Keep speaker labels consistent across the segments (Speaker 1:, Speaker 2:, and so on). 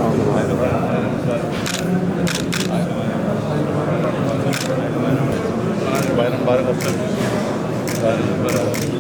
Speaker 1: Bayram mübarek olsun. Bayram mübarek olsun.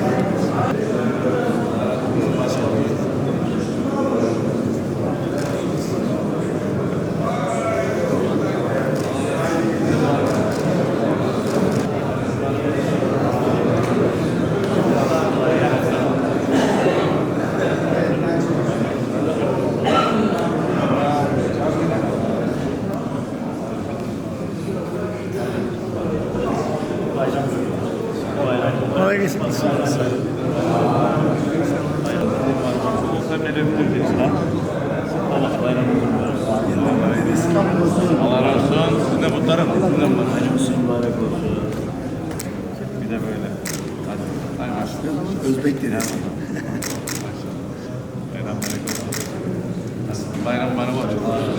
Speaker 2: Kolay gelsin.
Speaker 1: Allah razı olsun. Siz de mutlarım. Siz de mübarek olsun. Bir de böyle. Hadi. Hadi maşallah.
Speaker 2: Özbek dedi.
Speaker 1: Bayram mübarek olsun. Bayram mübarek olsun.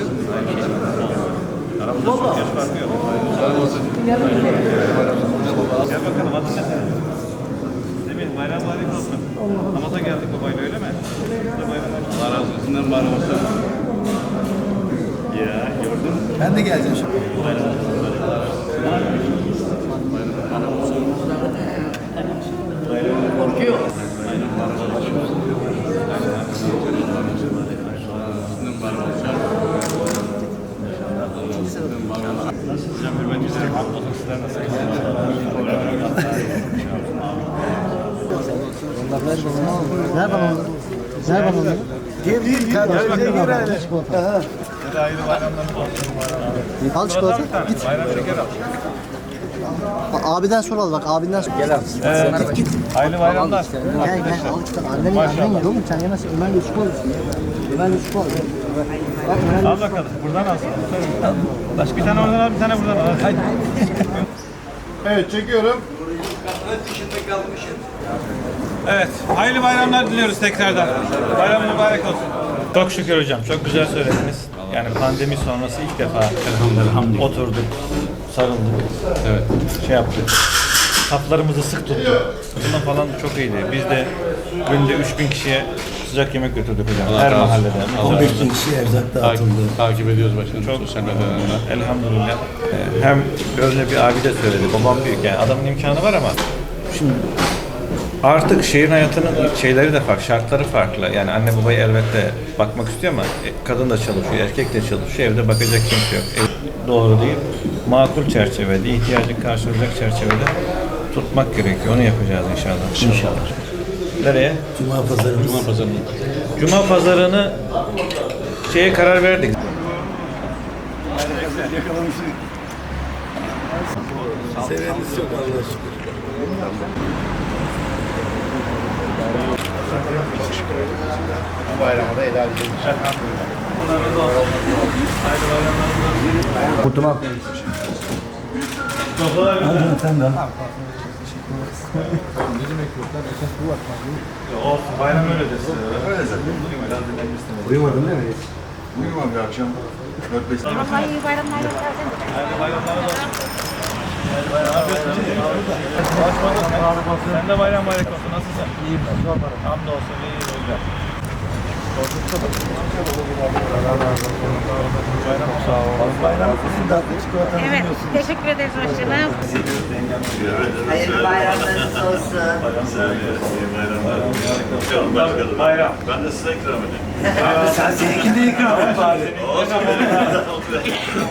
Speaker 1: Aramızda çok yaş farkı yok. Bayram olsun. Gel bakalım adın ne senin? Semih, bayram mübarek olsun. Namaza geldik babayla öyle mi? Allah razı olsun. Sizden mübarek olsun. Ya gördün mü?
Speaker 2: Ben de geleceğim şimdi.
Speaker 3: Korkuyor.
Speaker 1: Nasılsınız? Hürmetinize hamdolsun. Sizler nasılsınız?
Speaker 3: Ver bana onu. Ver bana onu.
Speaker 2: Gel kardeşim. Gel hele.
Speaker 1: Size hayırlı bayramlarınız olsun.
Speaker 3: Al çikolata. Git.
Speaker 1: Bayram şeker al.
Speaker 3: Abiden sor al bak. Abinden sor. Gel abi. Git.
Speaker 1: Hayırlı bayramlar.
Speaker 3: Gel gel. Al çikolata. Annen yiyor mu? Sen yemezsin. Ömer Yusuf alırsın. Ömer Yusuf alırsın. Bak Ömer
Speaker 1: Al bakalım. Buradan al. Bir tane oradan al, bir tane buradan al. Hadi.
Speaker 2: Evet çekiyorum.
Speaker 1: Evet, hayırlı bayramlar diliyoruz tekrardan. Bayram mübarek olsun. Çok şükür hocam, çok güzel söylediniz. Yani pandemi sonrası ilk defa oturduk, sarıldık, evet. Şey yaptık. Saflarımızı sık tuttuk. Bundan falan çok iyiydi. Biz de günde 3000 kişiye sıcak yemek götürdük hocam. Her mahallede.
Speaker 2: 15 bin kişi erzak dağıtıldı.
Speaker 1: Takip ediyoruz başkanım. Çok sosyal medyalarında. Elhamdülillah. Hem öyle bir abi de söyledi. Babam büyük yani. Adamın imkanı var ama şimdi artık şehir hayatının şeyleri de farklı, şartları farklı. Yani anne babaya elbette bakmak istiyor ama kadın da çalışıyor, erkek de çalışıyor. Evde bakacak kimse yok. Doğru değil. Makul çerçevede, ihtiyacı karşılayacak çerçevede tutmak gerekiyor. Onu yapacağız inşallah.
Speaker 2: İnşallah.
Speaker 1: Nereye?
Speaker 2: Cuma pazarımız.
Speaker 1: Cuma pazarını. Cuma pazarını şeye karar verdik.
Speaker 2: Seveniniz yok Allah'a şükür. Bayramı da helal edin.
Speaker 3: Kurtulma.
Speaker 2: Sen de.
Speaker 1: Olsun, bayram öyle desin.
Speaker 4: Öyle zaten.
Speaker 2: Uyumadın değil mi?
Speaker 4: Uyumam bir akşam 4-5 saat.
Speaker 5: Hayırlı bayramlar.
Speaker 1: Hayırlı bayramlar olsun. Sen de bayram mübarek olsun. Nasılsın? İyiyim. Hamdolsun. İyi olacak. Bayram sağ ol. Bayram
Speaker 5: Evet, teşekkür ederiz başkanım.
Speaker 6: Hayırlı bayramlarınız olsun.
Speaker 1: bayram.
Speaker 4: Ben de size ikram edeyim.
Speaker 2: Sen seninkini ikram et bari.